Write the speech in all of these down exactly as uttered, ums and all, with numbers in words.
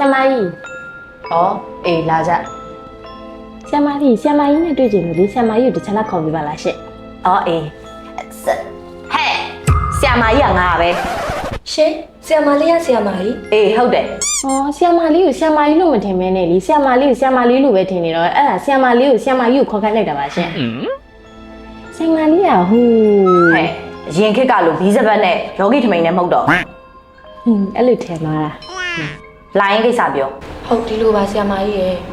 ဆရာမကြီးဩအေးလာကြဆရာမကြီးဆရာမကြီးနဲ့တွေ့ကြလို့လေဆရာမကြီးကိုတစ်ချက်လောက်ခေါ်ပြပါလားရှင့်ဩအေးဟဲ့ဆရာမကြီးကငါပဲရှင်ဆရာမလေးရဆရာမကြီးအေးဟုတ်တယ်ဩဆရာမလေးကိုဆရာမကြီးလို့မထင်မဲနဲ့လေဆရာမလေးကိုဆရာမလေးလို့ပဲထင်နေတော့အဲ့ဒါဆရာမလေးကိုဆရာမကြီးကိုခေါ်ခိုင်းလိုက်တာပါရှင့်ဆရာမလေးကဟိုဟဲ့ရင်ခက်ကလို့ဘီးစပတ်နဲ့ယောဂီထမိန်နဲ့မဟုတ်တော့ဟွန်းအဲ့လိုထင်မှာလားလာရင်ကိစ္စပြောဟုတ်ဒီလိုပါဆရာမကြီးရဲ့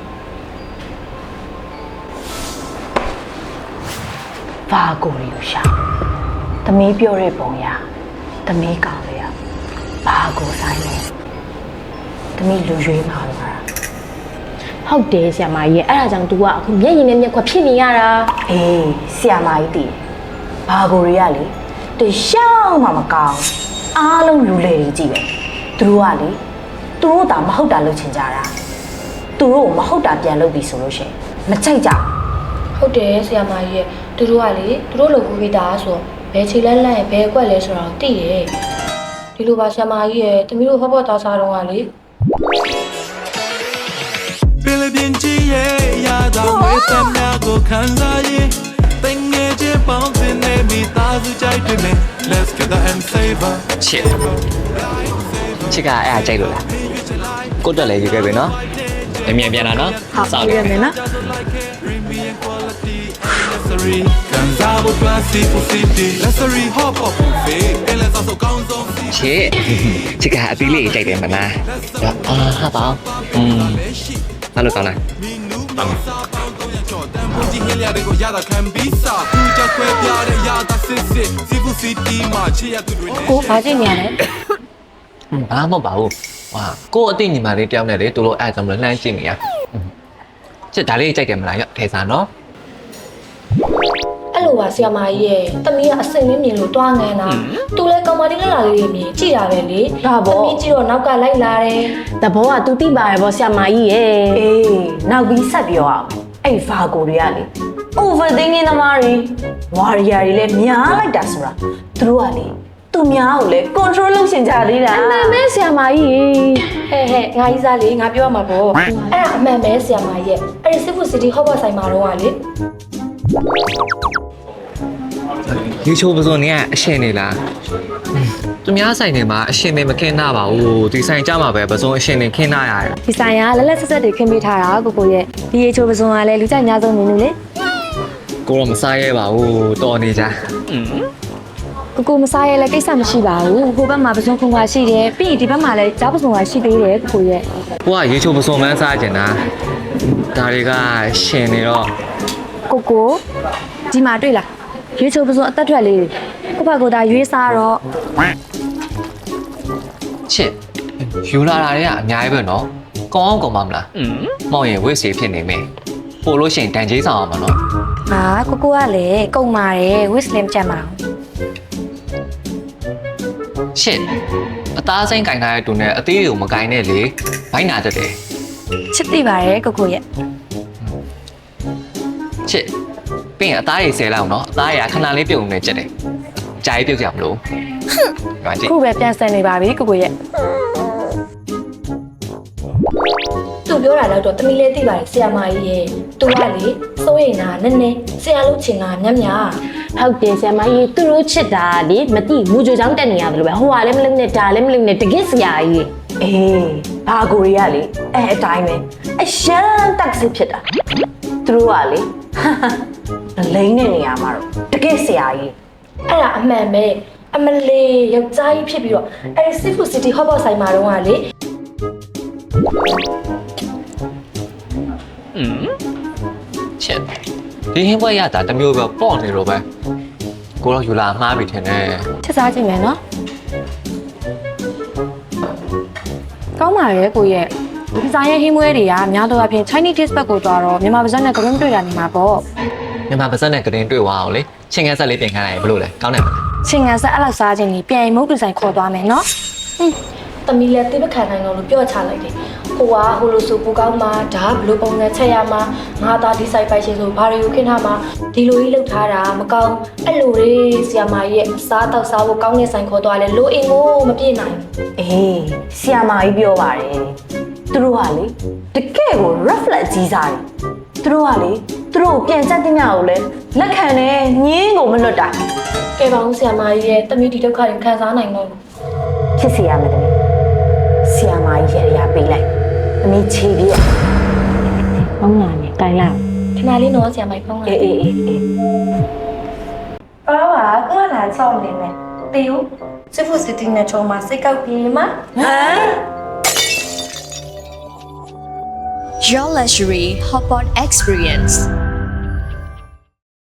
ဘာကိုရီရှာသမီးပြောတဲ့ပုံရသမီးကောင်းလေရဘာကိုဆိုင်လဲသမီးလူရွေးမှာလားဟုတ်တယ်ဆရာမကြီးရဲ့အဲ့ဒါကြောင့် तू ကအခုမျက်ရည်နဲ့မျက်ခွက်ဖြစ်နေရတာအေးဆရာမကြီးတည်ဘာကိုရီကလေတရှောင်းမှမကောင်းအားလုံးလူလေကြီးကြည့်ပဲသူတို့ကလေသူတို့သာမဟုတ်တာလုပ်ချင်ကြတာသူတို့မဟုတ်တာပြန်လုပ်ပြီဆိုလို့ရှိရင်မချိုက်ကြဟုတ်တယ်ဆရာမကြီးရဲ့သူတို့ကလေသူတို့လုပ်ပြီးသားဆိုဘယ်ခြေလက်လက်ဘယ်အကွက်လဲဆိုတော့သိတယ်ဒီလိုပါဆရာမကြီးရဲ့တမီးတို့ဟောပေါ်သားစားတော့ကလေ菲律宾企业亚当为咱俩个看啥耶？等眼睛绑在那米大子在对面 ，Let's get the and savor。 切，切个哎呀，这个啦，过得来就这边喏，明天变了喏， 好，明天变了。 切，这个比例这点么呢？啊，好饱，嗯，那就搞了。 ကိုဘာကြည့်နေရလဲอืมဘာမှမဟုတ်ပါဘူးဟာကိုအသိညီမလေးတယောက်နဲ့လေသူတို့အဲ့ဒါကြောင့်မလို့လှမ်းကြည့်နေရချစ်ဒါလေးကြိုက်တယ်မလားရောထဲစားနော်အဲ့လိုပါဆရာမကြီးရဲ့တမီးကအစိမ့်မမြင်လို့တွားငန်းတာသူလဲကောင်မလေးလက်လာလေးတွေမြင်ကြည့်တာပဲလေဒါပေါ့တမီးကြည့်တော့နောက်ကလိုက်လာတယ်တဘောက तू သိပါရပေါ့ဆရာမကြီးရဲ့အေးနောက်ပြီးဆက်ပြောအောင်အဲ့ဗာကိုတွေကလေ overthinking သမားတွေဝါရီယာတွေလည်းများလိုက်တာဆိုတာသူတို့ကလေသူများကိုလည်း control လုပ်ရှင်ကြသေးတာအမှန်ပဲဆရာမကြီးဟဲ့ဟဲ့ငါကြီးစားလေငါပြောရမှာပေါ့အဲ့ဒါအမှန်ပဲဆရာမကြီးရဲ့အဲ့ဒီစစ်ဖို့စီတီဟော့ဘော့ဆိုင်မှာတော့ကလေရေချိုးပစုံနေကအရှင်နေလားသူများဆိုင်နေမှာအရှင်နေမခင်းနာပါဘူးဒီဆိုင်ကြမှာပဲပစုံအရှင်နေခင်းနာရတယ်ဒီဆိုင်ကလက်လက်ဆက်ဆက်တွေခင်းပေးထားတာကိုကိုရဲ့ဒီရေချိုးပစုံကလည်းလူကြိုက်များဆုံးနေလို့လေကိုတော့မစားရဲပါဘူးတော်နေကြကိုကိုမစားရဲလည်းကိစ္စမရှိပါဘူးဟိုဘက်မှာပစုံခုံကရှိတယ်ပြီးရင်ဒီဘက်မှာလည်းကြားပစုံကရှိသေးတယ်ကိုကိုရဲ့ကိုကရေချိုးပစုံမှန်းစားကျင်တာဒါတွေကရှင်နေတော့ကိုကိုဒီမှာတွေ့လားရွေးချိုးပစုံအသက်ထွက်လေးကိုဘကိုသာရွေးစားတော့ချစ်ယူလာတာတွေကအများကြီးပဲနော်ကောင်းအောင်ကောင်းပါမလားမောင်ရင်ဝိစီဖြစ်နေမယ်ပို့လို့ရှိရင်တန်ကြီးဆောင်အောင်မနော်ဟာကိုကိုကလည်းကုံပါတယ်ဝစ်စလင်ချက်မှာချစ်အသားစိမ့်ကင်ထားတဲ့တူနဲ့အသေးတွေကိုမကင်နဲ့လေဘိုင်းနာတတ်တယ်ချစ်သိပါတယ်ကိုကိုရဲ့ချစ်ပြင်အသားရည်ဆဲလောက်နော်အသားရခဏလေးပြုံနေချက်တယ်ကြာကြီးပြုတ်ကြမလို့ဟာကြည့်ခုပဲပြန်ဆန်နေပါပြီကိုကိုရဲ့သူပြောတာတော့တမီလေးသိပါတယ်ဆရာမကြီးရဲ့သူကလေစိုးရိမ်တာနည်းနည်းဆရာလို့ချင်တာမြတ်မြတ်ဟုတ်တယ်ဆရာမကြီးသူတို့ချစ်တာလေမတိမူကြိုချောင်းတက်နေရတယ်လို့ပဲဟိုကလည်းမလုပ်နဲ့ဒါလည်းမလုပ်နဲ့တကစ်ဆရာကြီးအေးဘာကိုရီကလေအဲအတိုင်းပဲအရှမ်းတက်စစ်ဖြစ်တာသူတို့ကလေလိမ့်တဲ့နေရာမှာတော့တကယ်ဆရာကြီးအဲ့ဒါအမှန်ပဲအမလေးယောက်ျားကြီးဖြစ်ပြီးတော့အဲ့ဒီစစ်ဖူစီတီဟော့ဘော့ဆိုင်မှာတော့ကလေอืมချက်ဒီဟင်းပွဲရတာတမျိုးပဲပေါ့နေတော့ပဲကိုတော့ယူလာမှားပြီထင်တယ်ချက်စားကြည့်မယ်နော်ကောင်းပါရဲ့ကိုရဲ့ဒီဇိုင်းရဲ့ဟင်းပွဲတွေကများတော့အပြင် Chinese dish ဘက်ကိုသွားတော့မြန်မာပါဇက်နဲ့ကရင်တွေ့တာနေမှာပေါ့မြန်မာပါဇက်နဲ့ကရင်တွေ့သွားအောင်လေချင်းငန်းဆက်လေးပြင်ခိုင်းလိုက်ဘလို့လဲကောင်းတယ်မလားချင်းငန်းဆက်အဲ့လောက်စားခြင်းကြီးပြန်ရင်မုတ်တူဆိုင်ခေါ်သွားမယ်နော်ဟင်းတမီလည်းတိပခံနိုင်တော့လို့ပြောချလိုက်တယ်ဟိုကဟိုလိုဆိုပူကောင်းမှာဒါဘလို့ပုံနဲ့ချက်ရမှာငါသားဒီဆိုင်ပိုက်ရှင်ဆိုဘာတွေကိုခင်းထားမှာဒီလိုကြီးလှုပ်ထားတာမကောင်းအဲ့လိုလေးဆီယာမာကြီးရဲ့စားတော့စားဖို့ကောင်းတဲ့ဆိုင်ခေါ်သွားလဲလိုအင်ကိုမပြည့်နိုင်အေးဆီယာမာကြီးပြောပါတယ်သူတို့ကလေတကယ့်ကို reflect ကြီးစားတယ်သူတို့ကလေသူတို့ကိုပြန်ချက်တင်ရကိုလေလက်ခံတယ်ညင်းကိုမလွတ်တာကဲပါဦးဆရာမကြီးရဲ့တမီးဒီဒုက္ခတွေခံစားနိုင်တော့လို့ဖြစ်စီရမယ်တမီးဆီယာမကြီးရရပေးလိုက်တမီးခြေပြည့်ပေါင်းလာနေတိုင်လိုက်ခဏလေးနော်ဆရာမကြီးဖုန်းလာအေးအေးအေးအေးပါပါကလာချောင်းနေမယ်တေးဦးစစ်ဖို့စစ်တင်းနဲ့ချုံမှာစိတ်ကောက်ပြေးမှာဟမ် Your luxury hotpot experience.